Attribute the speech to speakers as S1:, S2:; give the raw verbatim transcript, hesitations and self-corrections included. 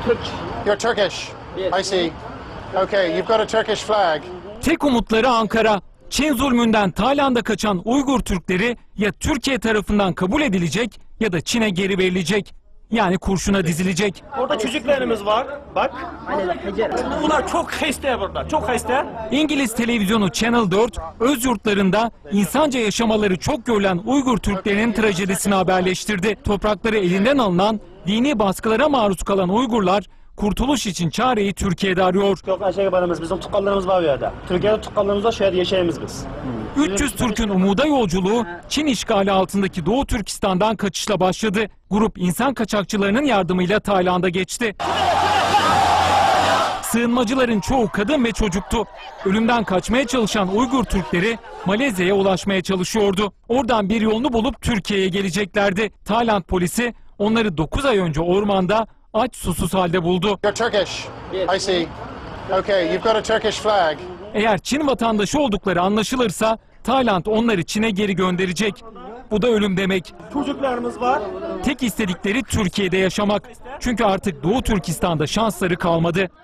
S1: You're Turkish. I see. Okay, you've got a Turkish flag.
S2: Tek umutları Ankara. Çin zulmünden Tayland'a kaçan Uygur Türkleri ya Türkiye tarafından kabul edilecek ya da Çin'e geri verilecek. Yani kurşuna dizilecek.
S3: Orada çocuklarımız var. Bak. Bunlar çok hasta burada. Çok hasta.
S2: İngiliz televizyonu Channel dört, öz yurtlarında insanca yaşamaları çok görülen Uygur Türklerinin trajedisini haberleştirdi. Toprakları elinden alınan, dini baskılara maruz kalan Uygurlar, kurtuluş için çareyi Türkiye'de arıyor.
S3: Çok aşağı barımız, bizim tukkallarımız var bu yerde. Türkiye'de tukkallarımız var, şehirde yaşayımız biz.
S2: üç yüz Türk'ün umuda yolculuğu Çin işgali altındaki Doğu Türkistan'dan kaçışla başladı. Grup insan kaçakçılarının yardımıyla Tayland'a geçti. Sığınmacıların çoğu kadın ve çocuktu. Ölümden kaçmaya çalışan Uygur Türkleri Malezya'ya ulaşmaya çalışıyordu. Oradan bir yolunu bulup Türkiye'ye geleceklerdi. Tayland polisi onları dokuz ay önce ormanda aç susuz halde buldu.
S1: You're Turkish. I see. Okay, you've got a Turkish flag.
S2: Eğer Çin vatandaşı oldukları anlaşılırsa Tayland onları Çin'e geri gönderecek. Bu da ölüm demek.
S3: Çocuklarımız var.
S2: Tek istedikleri Türkiye'de yaşamak. Çünkü artık Doğu Türkistan'da şansları kalmadı.